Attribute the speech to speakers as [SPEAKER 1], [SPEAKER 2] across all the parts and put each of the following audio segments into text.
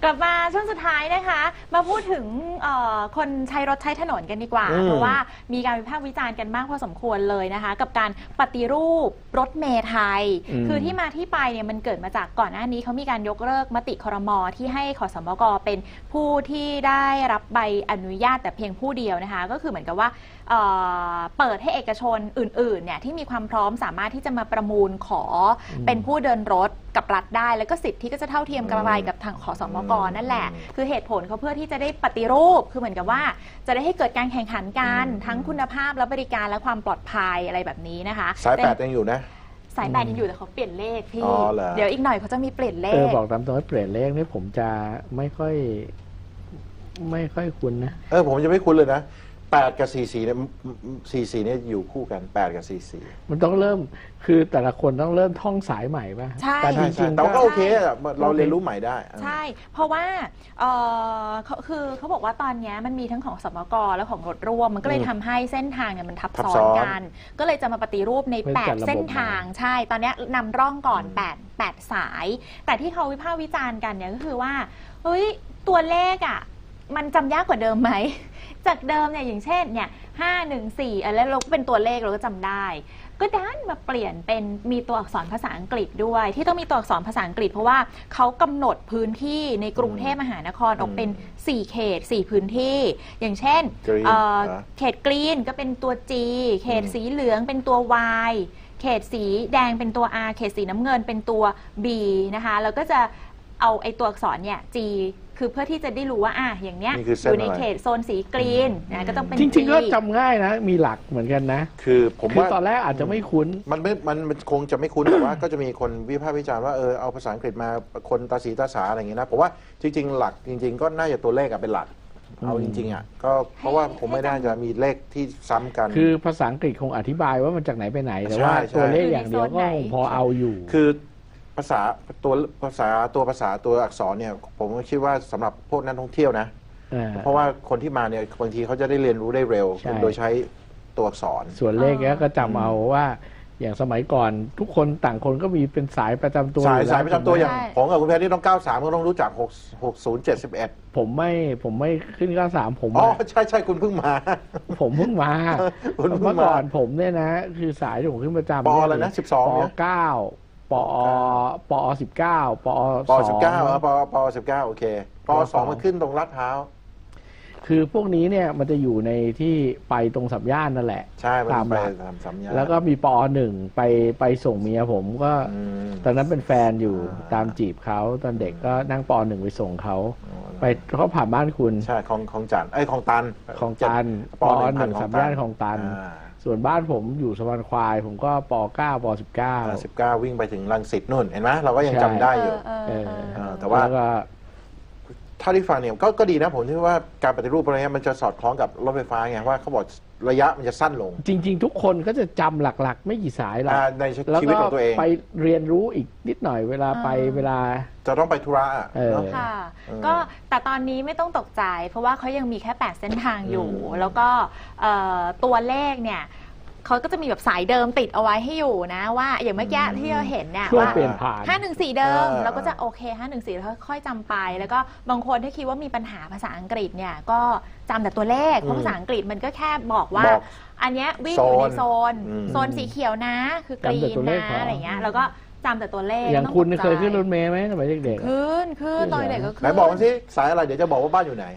[SPEAKER 1] กลับมาช่วงสุดท้ายนะคะมาพูดถึงคนใช้รถใช้ถนนกันดีกว่าเพราะว่ามีการวิพากษ์วิจารณ์กันมากพอสมควรเลยนะคะกับการปฏิรูปรถเมล์ไทยคือที่มาที่ไปเนี่ยมันเกิดมาจากก่อนหน้านี้เขามีการยกเลิกมติครม.ที่ให้ขสมก.เป็นผู้ที่ได้รับใบอนุญาตแต่เพียงผู้เดียวนะคะก็คือเหมือนกับว่าเปิดให้เอกชนอื่นๆเนี่ยที่มีความพร้อมสามารถที่จะมาประมูลขอเป็นผู้เดินรถกับรัฐได้แล้วก็สิทธิก็จะเท่าเทียมกันไปกับทางขสมก.นั่นแหละคือเหตุผลเขาเพื่อที่จะได้ปฏิรูปคือเหมือนกับว่าจะได้ให้เกิดการแข่งขันกันทั้งคุณภาพและบริการและความปลอดภัยอะไรแบบนี้นะคะ
[SPEAKER 2] สาย8ยังอยู่นะ
[SPEAKER 1] สาย8ยังอยู่แต่เขาเปลี่ยนเลขพี่เดี๋ยวอีกหน่อยเขาจะมีเปลี่ยนเลข
[SPEAKER 3] บอกตามตรงว่าเปลี่ยนเลขนี่ผมจะไม่ค่อยคุ้นนะ
[SPEAKER 2] ผมจะไม่คุ้นเลยนะ8กับ44เนี่ย44เนี่ยอยู่คู่กัน8กับ44
[SPEAKER 3] มันต้องเริ่มคือแต่ละคนต้องเริ่มท่องสายใหม่ป่ะ
[SPEAKER 1] ใช่
[SPEAKER 2] แต่จริงๆแต่ก็โอเคเราเรียนรู้ใหม่ได้
[SPEAKER 1] ใช่เพราะว่าคือเขาบอกว่าตอนนี้มันมีทั้งของสมก.และของรถร่วมมันก็เลยทำให้เส้นทางเนี่ยมันทับซ้อนกันก็เลยจะมาปฏิรูปใน8เส้นทางใช่ตอนนี้นำร่องก่อน8สายแต่ที่เขาวิพากษ์วิจารณ์กันเนี่ยก็คือว่าเฮ้ยตัวเลขอ่ะมันจำยากกว่าเดิมไหมจากเดิมเนี่ยอย่างเช่นเนี่ย514แล้วเราก็เป็นตัวเลขเราก็จำได้ก็ดันมาเปลี่ยนเป็นมีตัวอักษรภาษาอังกฤษด้วยที่ต้องมีตัวอักษรภาษาอังกฤษเพราะว่าเขากำหนดพื้นที่ในกรุงเทพมหานครออกเป็น4เขต4พื้นที่อย่างเช่นเขตกรีนก็เป็นตัว G เขตสีเหลืองเป็นตัว Y เขตสีแดงเป็นตัว R เขตสีน้ำเงินเป็นตัว B นะคะแล้วก็จะเอาไอ้ตัวอักษรเนี่ย G คือเพื่อที่จะได้รู้ว่าอย่างเนี้ยอยู่ในเขตโซนสีกรีนนะก็ต้องเป็น
[SPEAKER 3] จริงๆก็จำง่ายนะมีหลักเหมือนกันนะ
[SPEAKER 2] คือผมว่า
[SPEAKER 3] ตอนแรกอาจจะไม่คุ้น
[SPEAKER 2] มันคงจะไม่คุ้นแต่ว่าก็จะมีคนวิพากษ์วิจารณ์ว่าเอาภาษาอังกฤษมาคนตาสีตาสาอะไรอย่างเงี้ยนะผมว่าจริงๆหลักจริงๆก็น่าจะตัวเลขเป็นหลักเอาจริงๆก็เพราะว่าผมไม่น่าจะมีเลขที่ซ้ำกัน
[SPEAKER 3] คือภาษาอังกฤษคงอธิบายว่ามันจากไหนไปไหนแต่ว่าตัวเลขอย่างเดียวก็พอเอาอยู่
[SPEAKER 2] คือภาษาตัวอักษรเนี่ยผมคิดว่าสำหรับพวกนักท่องเที่ยวนะเพราะว่าคนที่มาเนี่ยบางทีเขาจะได้เรียนรู้ได้เร็วโดยใช้ตัวอักษร
[SPEAKER 3] ส่วนเลขก็จำเอาว่าอย่างสมัยก่อนทุกคนต่างคนก็มีเป็นสายประจำตัว
[SPEAKER 2] สายประจำตัวอย่างผมกับคุณแพทย์ที่ต้อง93ก็ต้องรู้จัก6071
[SPEAKER 3] ผมไม่ขึ้น93ผม
[SPEAKER 2] ใช่คุณเพิ่งมา
[SPEAKER 3] ผมเพิ่งมาเมื่อก่อนผมเนี่ยนะคือสายที่ผมขึ้นประจำ
[SPEAKER 2] ปออะไรนะ12
[SPEAKER 3] ป9ปอ19ปอ
[SPEAKER 2] 19ปอ19โอเคปอ2มันขึ้นตรงลาดพร้าว
[SPEAKER 3] คือพวกนี้เนี่ยมันจะอยู่ในที่ไปตรงสัมย่านนั่นแหละ
[SPEAKER 2] ใช่ตามไปสัมย่าน
[SPEAKER 3] แล้วก็มีปอ1ไปส่งเมียผมก็ตอนนั้นเป็นแฟนอยู่ตามจีบเขาตอนเด็กก็นั่งปอ1ไปส่งเขาไปเขาผ่านบ้านคุณ
[SPEAKER 2] ใช่ของจันของตัน
[SPEAKER 3] ปอ1สัมย่านของตันส่วนบ้านผมอยู่สะพานควายผมก็ป9ป19
[SPEAKER 2] วิ่งไปถึงรังสิตนู่นเห็นไหมเราก็ยังจำได้อยู่แต่ว่าถ้าที่ฟังเนี่ยก็ดีนะผมคิดว่าการปฏิรูปอะไรเงี้ยมันจะสอดคล้องกับรถไฟฟ้าไงว่าเขาบอกระยะมันจะสั้นลง
[SPEAKER 3] จริงๆทุกคนก็จะจำหลักๆไม่กี่สายหรอก
[SPEAKER 2] ในชีวิตของตัวเอง
[SPEAKER 3] ไปเรียนรู้อีกนิดหน่อยเวลา
[SPEAKER 2] จะต้องไปธุระ
[SPEAKER 1] ค่ะก็แต่ตอนนี้ไม่ต้องตกใจเพราะว่าเขายังมีแค่8เส้นทางอยู่แล้วก็ตัวเลขเนี่ยเขาก็จะมีแบบสายเดิมติดเอาไว้ให้อยู่นะว่าอย่างเมื่อกี้ที่เราเห็นเนี่ยว่า514เดิมเราก็จะโอเค514แล้วค่อยจำไปแล้วก็บางคนที่คิดว่ามีปัญหาภาษาอังกฤษเนี่ยก็จำแต่ตัวเลขเพราะภาษาอังกฤษมันก็แค่บอกว่าอันนี้วิ่งอยู่ในโซนสีเขียวนะคือกรีนนะอะไรเงี้ยแล้วก็จำแต่ตัวเลข
[SPEAKER 3] อย่างคุณเคยขึ้นรถเมล์ไหมสมัยเด็ก
[SPEAKER 1] ๆขึ้นตอนเด็กก็ขึ้น
[SPEAKER 2] ไหนบอกมาสิสายอะไรเดี๋ยวจะบอกว่าบ้านอยู่ไหน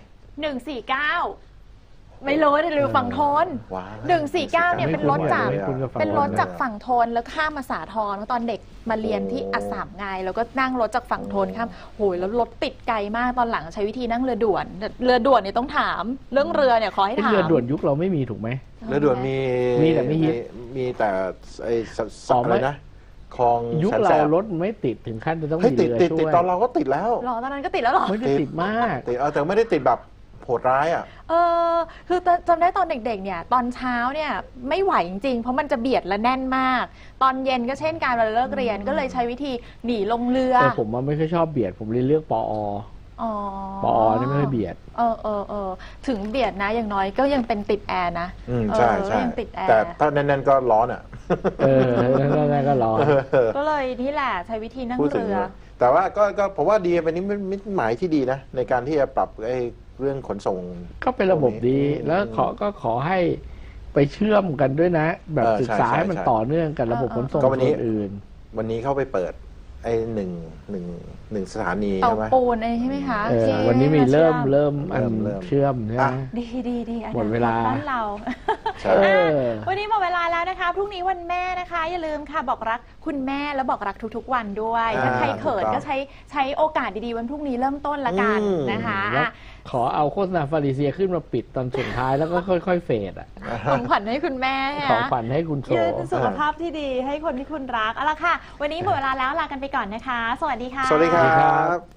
[SPEAKER 1] 149ไม่รู้แต่หรือฝั่งทน149เนี่ยเป็นรถจากฝั่งทนแล้วข้ามมาสาทรเพราะตอนเด็กมาเรียนที่อัสสัมไงแล้วก็นั่งรถจากฝั่งทนข้ามโหยแล้วรถติดไกลมากตอนหลังใช้วิธีนั่งเรือด่วนเนี่ยต้องถามเรื่องเรือเนี่ยขอให้ถาม
[SPEAKER 3] เรือด่วนยุคเราไม่มีถูกไหม
[SPEAKER 2] เรือด่วนมี
[SPEAKER 3] แต่ไม่ฮิต
[SPEAKER 2] มีแต่ไอ้อะไรนะคลอง
[SPEAKER 3] ยุคเรารถไม่ติดถึงขั้นจะต้องมีเรือช่วย
[SPEAKER 2] ตอนเราก็ติดแล้ว
[SPEAKER 1] ตอนนั้นก็ติดแล้วหรอ
[SPEAKER 3] ไม่ได้ติดมาก
[SPEAKER 2] แต่ไม่ได้ติดแบบโหดร้าย
[SPEAKER 1] คือจำได้ตอนเด็กๆเนี่ยตอนเช้าเนี่ยไม่ไหวจริงๆเพราะมันจะเบียดและแน่นมากตอนเย็นก็เช่นการเวลาเลิกเรียนก็เลยใช้วิธีหนีลงเรือ
[SPEAKER 3] แต่ผมว่าไม่ค่อยชอบเบียดผมเลยเลือกปอนี่ไม่ค่อยเบียด
[SPEAKER 1] ถึงเบียดนะอย่างน้อยก็ยังเป็นติดแอร์นะ
[SPEAKER 2] ใช่แต่ถ้าแน่นๆก็ร้อน
[SPEAKER 3] แน่นๆก็ร้อน
[SPEAKER 1] ก็เลยนี่แหละใช้วิธีนั่งเรือ
[SPEAKER 2] แต่ว่าก็ผมว่าดีเป็นนิมิตหมายที่ดีนะในการที่จะปรับไอ้เรื่องขนส่ง
[SPEAKER 3] ก็เป็นระบบดีแล้วขอให้ไปเชื่อมกันด้วยนะ แบบศึกษาให้มันต่อเนื่องกันระบบขนส่งส่วนอื่น
[SPEAKER 2] วันนี้เข้าไปเปิดไอ้หนึ่งสถานี
[SPEAKER 1] เตา
[SPEAKER 2] ใช่ไหม
[SPEAKER 1] ปูนอะไรใช่ไหมคะที่
[SPEAKER 3] วันนี้มีเริ่มอัน
[SPEAKER 2] เริ่ม
[SPEAKER 3] เชื่อมใช่ไหม
[SPEAKER 1] ดี
[SPEAKER 3] หมดเวลา
[SPEAKER 1] บ้านเรา
[SPEAKER 2] ใช่
[SPEAKER 1] วันนี้หมดเวลาแล้วนะคะพรุ่งนี้วันแม่นะคะ อย่าลืมค่ะบอกรักคุณแม่แล้วบอกรักทุกๆวันด้วยถ้าใครเขินก็ใช้โอกาสดีๆวันพรุ่งนี้เริ่มต้นละกันนะคะ
[SPEAKER 3] แล้วขอเอาโฆษณาฟาริเซียขึ้นมาปิดตอนสุดท้ายแล้วก็ค่อยๆเฟดอ่ะ
[SPEAKER 1] ของขวัญให้คุณแม่
[SPEAKER 3] ของขวัญให้คุณโช
[SPEAKER 1] ยืน
[SPEAKER 3] ว์
[SPEAKER 1] สุขภาพที่ดีให้คนที่คุณรักเอาละค่ะ วันนี้หมดเวลาแล้วลากันไปก่อนนะคะ สวัสดีค่ะ
[SPEAKER 2] สวัสดีครับ